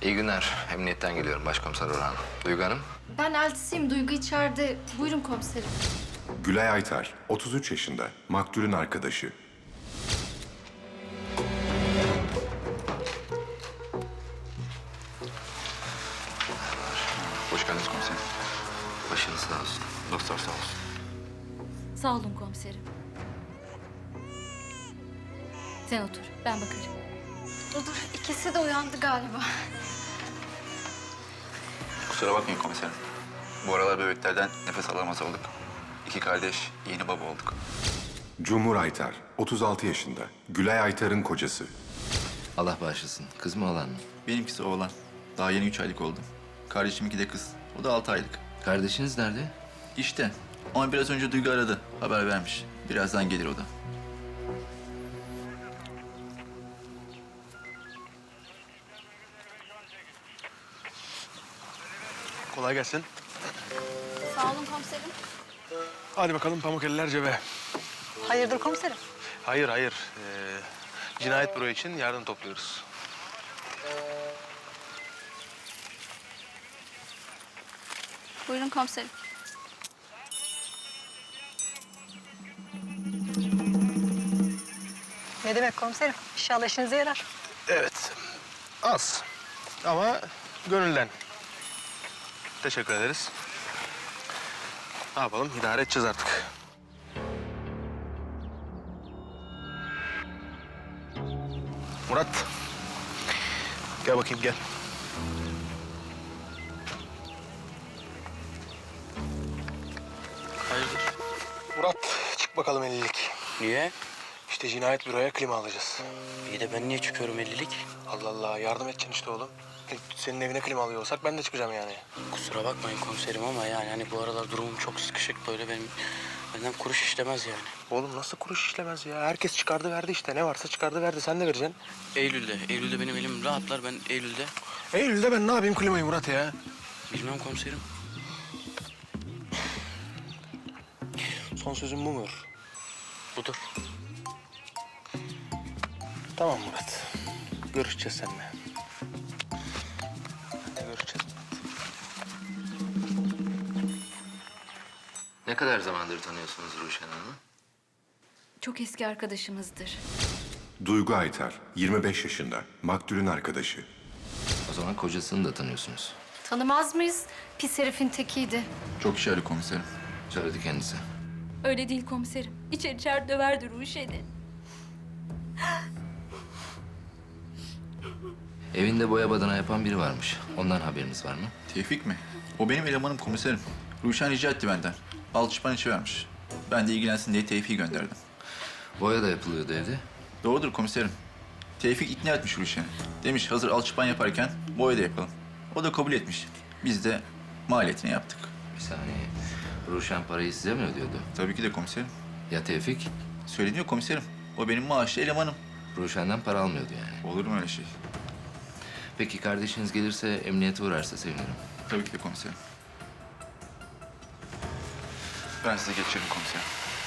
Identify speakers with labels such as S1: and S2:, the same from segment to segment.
S1: İyi günler. Emniyetten geliyorum Başkomiser Orhan. Duygu Hanım.
S2: Ben eltisiyim. Duygu içeride. Buyurun komiserim.
S3: Gülay Aytar, 33 yaşında, maktulün arkadaşı.
S4: Hoş geldiniz komiserim.
S1: Başınız sağ olsun.
S4: Doktor sağ olsun.
S5: Sağ olun komiserim. Sen otur, ben bakarım.
S2: Dur, ikisi de uyandı galiba.
S4: Kusura bakmayın komiserim. Bu aralar bebeklerden nefes alamaz olduk. İki kardeş yeni baba olduk.
S3: Cumhur Aytar, 36 yaşında, Gülay Aytar'ın kocası.
S1: Allah bağışlasın. Kız mı oğlan mı?
S4: Benimkisi oğlan. Daha yeni 3 aylık oldu. Kardeşiminki de kız. O da 6 aylık.
S1: Kardeşiniz nerede?
S4: İşte. Ama biraz önce Duygu aradı. Haber vermiş. Birazdan gelir o da.
S6: Kolay gelsin.
S2: Sağ olun komiserim.
S6: Hadi bakalım pamuk eller cebe.
S7: Hayırdır komiserim?
S6: Hayır, hayır. Cinayet büro için yardım topluyoruz.
S2: Buyurun komiserim.
S7: Ne demek komiserim? İnşallah işinize yarar.
S6: Evet. Az. Ama gönülden. Teşekkür ederiz. Ne yapalım? İdare edeceğiz artık. Murat. Gel bakayım, gel.
S8: Hayırdır?
S6: Murat, çık bakalım 50'lik.
S8: Niye?
S6: İşte cinayet büroya klima alacağız.
S8: İyi de ben niye çıkıyorum 50'lik?
S6: Allah Allah, yardım edeceksin işte oğlum. Senin evine klima alıyor olsak ben de çıkacağım yani.
S8: Kusura bakmayın komiserim ama yani hani bu aralar durumum çok sıkışık böyle benden kuruş işlemez yani.
S6: Oğlum nasıl kuruş işlemez ya? Herkes çıkardı verdi işte. Ne varsa çıkardı verdi. Sen de vereceksin.
S8: Eylül'de benim elim rahatlar ben Eylül'de.
S6: Eylül'de ben ne yapayım klimayı Murat ya?
S8: Bilmem komiserim.
S6: Son sözün bu mudur?
S8: Budur.
S6: Tamam Murat. Görüşeceğiz seninle. Görüşeceğiz.
S1: Ne kadar zamandır tanıyorsunuz Ruşen Hanım'ı?
S5: Çok eski arkadaşımızdır.
S3: Duygu Aytar, 25 yaşında, maktulün arkadaşı.
S1: O zaman kocasını da tanıyorsunuz.
S2: Tanımaz mıyız? Pis herifin tekiydi.
S4: Çok işarı komiserim.
S1: Söyledi kendisi.
S5: Öyle değil komiserim. İçer döverdi Ruşen'i.
S1: Evinde boya badana yapan biri varmış. Ondan haberiniz var mı?
S4: Tevfik mi? O benim elemanım komiserim. Ruşen rica etti benden. Alçıpan içi vermiş. Ben de ilgilensin diye Tevfik'i gönderdim.
S1: Boya da yapılıyordu evde.
S4: Doğrudur komiserim. Tevfik ikna etmiş Ruşen'i. Demiş hazır alçıpan yaparken boya da yapalım. O da kabul etmiş. Biz de maliyetini yaptık.
S1: Bir saniye. Ruşen parayı size mi ödüyordu?
S4: Tabii ki de komiserim.
S1: Ya Tevfik?
S4: Söyleniyor komiserim. O benim maaşlı elemanım.
S1: Ruşen'den para almıyordu yani.
S4: Olur mu öyle şey?
S1: Peki kardeşiniz gelirse, emniyete uğrarsa sevinirim.
S4: Tabii ki de komiserim. Ben size geçirim komiserim.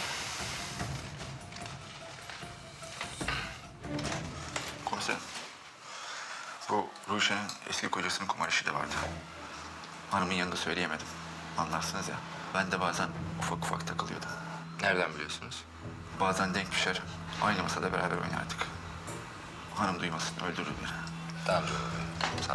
S4: Komiserim. Bu Ruşen'in eski kocasının kumar işi de vardı. Hanımın yanında söyleyemedim. Anlarsınız ya. Ben de bazen ufak ufak takılıyordum.
S1: Nereden biliyorsunuz?
S4: Bazen denk düşer. Aynı masada beraber oynardık. Hanım duymasın, öldürür beni.
S1: Tamam. Sağ ol.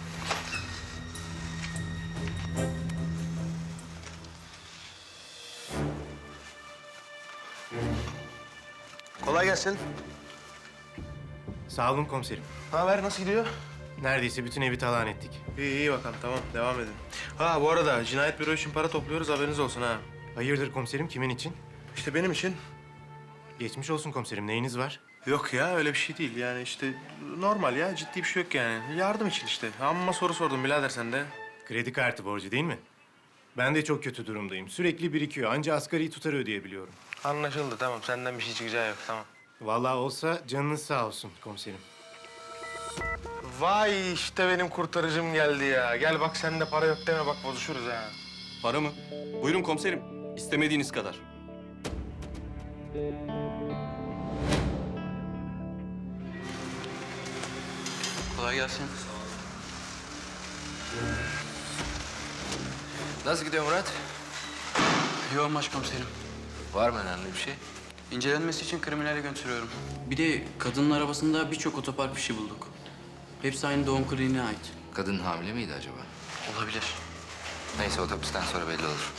S6: Kolay gelsin.
S9: Sağ olun komiserim.
S6: Ne haber? Nasıl gidiyor?
S9: Neredeyse bütün evi talan ettik.
S6: İyi, iyi bakalım. Tamam, devam edin. Ha, bu arada cinayet büro için para topluyoruz. Haberiniz olsun ha.
S9: Hayırdır komiserim, kimin için?
S6: İşte benim için.
S9: Geçmiş olsun komiserim, neyiniz var?
S6: Yok ya, öyle bir şey değil. Yani işte normal ya. Ciddi bir şey yok yani. Yardım için işte. Amma soru sordum birader sen de.
S9: Kredi kartı borcu değil mi? Ben de çok kötü durumdayım. Sürekli birikiyor. Anca asgari tutarı ödeyebiliyorum.
S6: Anlaşıldı. Tamam. Senden bir şey çıkacağı yok. Tamam.
S9: Vallahi olsa canınız sağ olsun komiserim.
S6: Vay işte benim kurtarıcım geldi ya. Gel bak sende para yok deme bak bozuşuruz ha.
S10: Para mı? Buyurun komiserim. İstemediğiniz kadar.
S8: Kolay gelsin.
S1: Nasıl gidiyor Murat?
S8: Yoğun başkomiserim.
S1: Var mı önemli bir şey?
S8: İncelenmesi için kriminale götürüyorum. Bir de kadının arabasında birçok otopark fişi bulduk. Hepsi aynı doğum kliniğine ait.
S1: Kadın hamile miydi acaba?
S8: Olabilir.
S1: Neyse otopsiden sonra belli olur.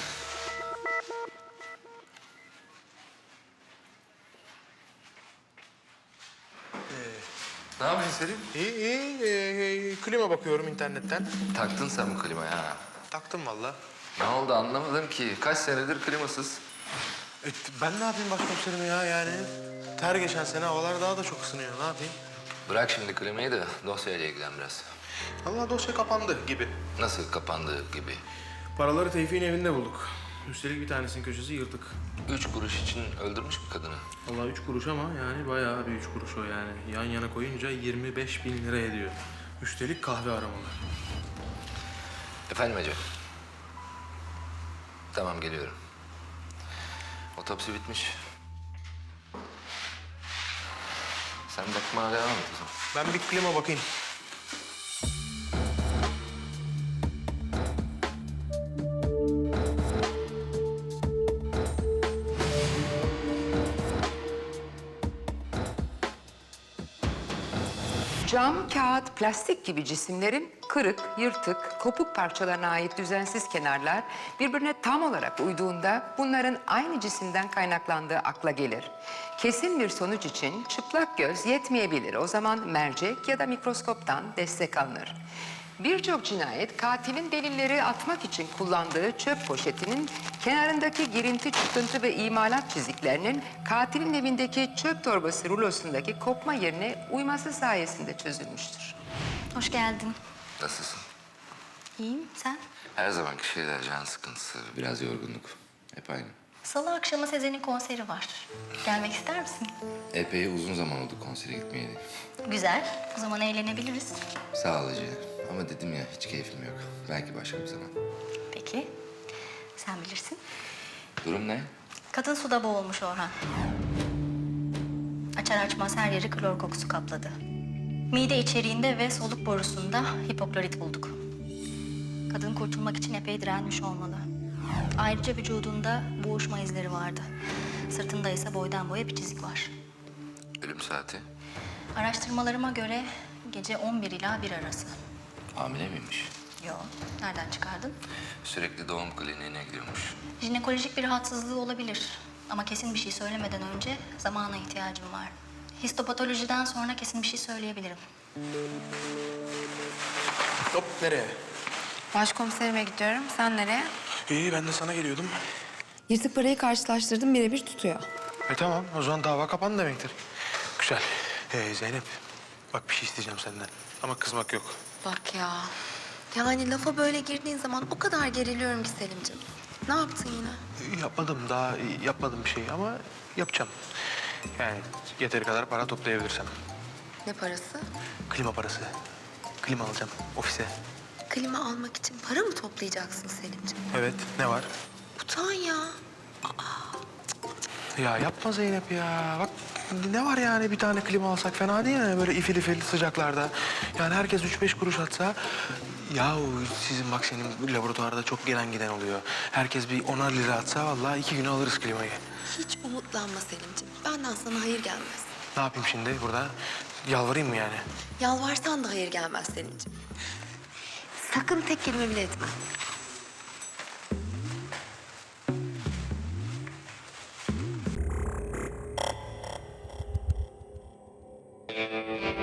S1: Ne yapıyorsun Selim?
S6: İyi. Klima bakıyorum internetten.
S1: Taktın sen bu klimayı ha.
S6: Taktım valla.
S1: Ne oldu anlamadım ki. Kaç senedir klimasız.
S6: Ben ne yapayım başkomiserim ya yani? Ter geçen sene havalar daha da çok ısınıyor. Ne yapayım?
S1: Bırak şimdi klimayı da dosyayla ilgilen biraz.
S6: Allah dosya kapandı gibi.
S1: Nasıl kapandığı gibi.
S6: Paraları Tevfik'in evinde bulduk. Üstelik bir tanesinin köşesi yırtık.
S1: 3 kuruş için öldürmüş mü kadını?
S6: Vallahi 3 kuruş ama yani bayağı bir 3 kuruş o yani. Yan yana koyunca 25.000 lira ediyor. Üstelik kahve aramalı.
S1: Efendim Ece? Tamam geliyorum. Otopsi bitmiş. Sen bakmaya devam et o zaman.
S6: Ben bir klima bakayım.
S11: Cam, kağıt, plastik gibi cisimlerin kırık, yırtık, kopuk parçalarına ait düzensiz kenarlar birbirine tam olarak uyduğunda bunların aynı cisimden kaynaklandığı akla gelir. Kesin bir sonuç için çıplak göz yetmeyebilir. O zaman mercek ya da mikroskoptan destek alınır. Birçok cinayet katilin delilleri atmak için kullandığı çöp poşetinin kenarındaki girinti, çıkıntı ve imalat çiziklerinin katilin evindeki çöp torbası rulosundaki kopma yerine uyması sayesinde çözülmüştür.
S2: Hoş geldin.
S1: Nasılsın?
S2: İyiyim, sen?
S1: Her zamanki şeyler, can sıkıntısı, biraz yorgunluk. Hep aynı.
S2: Salı akşamı Sezen'in konseri var. Gelmek ister misin?
S1: Epey uzun zaman oldu konsere gitmeyeli.
S2: Güzel. O zaman eğlenebiliriz.
S1: Sağ ol Ece. Ama dedim ya hiç keyfim yok. Belki başka bir zaman.
S2: Peki. Sen bilirsin.
S1: Durum ne?
S2: Kadın suda boğulmuş Orhan. Açar açmaz her yeri klor kokusu kapladı. Mide içeriğinde ve soluk borusunda hipoklorit bulduk. Kadın kurtulmak için epey direnmiş olmalı. Ayrıca vücudunda boğuşma izleri vardı. Sırtında ise boydan boya bir çizik var.
S1: Ölüm saati.
S2: Araştırmalarıma göre gece 11 ila 1 arası.
S1: Hamile miymiş?
S2: Yok. Nereden çıkardın?
S1: Sürekli doğum kliniğine gidiyormuş.
S2: Jinekolojik bir rahatsızlığı olabilir. Ama kesin bir şey söylemeden önce zamana ihtiyacım var. Histopatolojiden sonra kesin bir şey söyleyebilirim.
S6: Hop nereye?
S12: Başkomiserime gidiyorum. Sen nereye?
S6: İyi ben de sana geliyordum.
S12: Yırtık parayı karşılaştırdım. Birebir tutuyor.
S6: Tamam o zaman dava kapandı demektir. Güzel. Zeynep bak bir şey isteyeceğim senden. Ama kızmak yok.
S12: Bak ya. Yani lafa böyle girdiğin zaman o kadar geriliyorum ki Selimciğim. Ne yaptın yine?
S6: Yapmadım bir şey ama yapacağım. Yani yeteri kadar para toplayabilirsem.
S12: Ne parası?
S6: Klima parası. Klima alacağım ofise.
S12: Klima almak için para mı toplayacaksın Selimciğim?
S6: Evet ne var?
S12: Utan ya.
S6: Ya yapma Zeynep ya. Bak ne var yani bir tane klima alsak fena değil mi? Böyle ifil ifil sıcaklarda. Yani herkes 3-5 kuruş atsa... Yahu sizin bak senin laboratuvarda çok gelen giden oluyor. Herkes bir 10'ar lira atsa vallahi 2 güne alırız klimayı.
S12: Hiç umutlanma Selimciğim. Benden sana hayır gelmez.
S6: Ne yapayım şimdi burada? Yalvarayım mı yani?
S12: Yalvarsan da hayır gelmez Selimciğim. Sakın tek kelime bile etme.